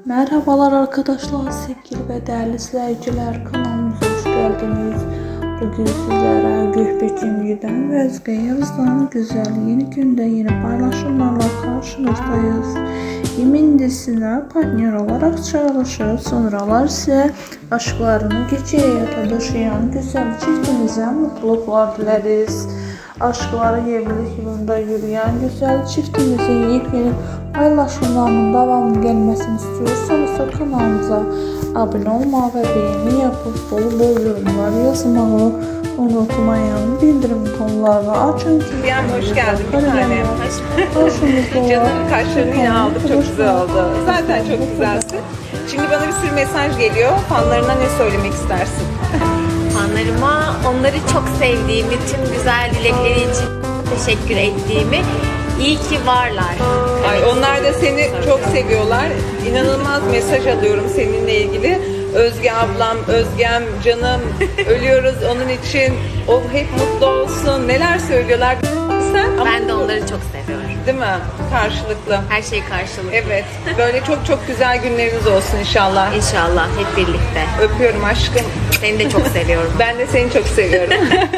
Merhabalar arkadaşlar, sevgili ve değerli izleyiciler, kanalımıza hoş geldiniz. Bugün sizlere Gökbekçimci'den ve Özge Yavuz'dan güzel yeni günde yeni paylaşımlarla karşınızdayız. Yemin dizisine partner olarak çalışır, sonralar ise aşklarını gece hayata taşıyan güzel çiftimize mutluluklar dileriz. Aşkları evlilik yolunda yürüyen güzel çiftimizin yepyeni paylaşımlarının devamlı gelmesini istiyorsanız kanalımıza abone olmayı ve beğeni yapıp bol yorumlar yazmayı unutmayın. Bildirim butonlarını açın ki Hoş geldin bir tanem. Canım kaşlarını yine aldık, çok güzel oldu. Zaten çok güzelsin. Şimdi bana bir sürü mesaj geliyor. Fanlarına ne söylemek istersin? Fanlarıma onları çok sevdiğimi, tüm güzel dilekleri için teşekkür ettiğimi, iyi ki varlar. Ay, onlar da seni çok seviyorlar. İnanılmaz mesaj alıyorum seninle ilgili. Özge ablam, Özgem canım, ölüyoruz onun için. O hep mutlu olsun. Neler söylüyorlar. Sen Ben de onları çok seviyorum. değil mi? Karşılıklı. Her şey karşılıklı. Evet. Böyle çok çok güzel günleriniz olsun inşallah. İnşallah hep birlikte. Öpüyorum aşkım. Seni de çok seviyorum. Ben de seni çok seviyorum.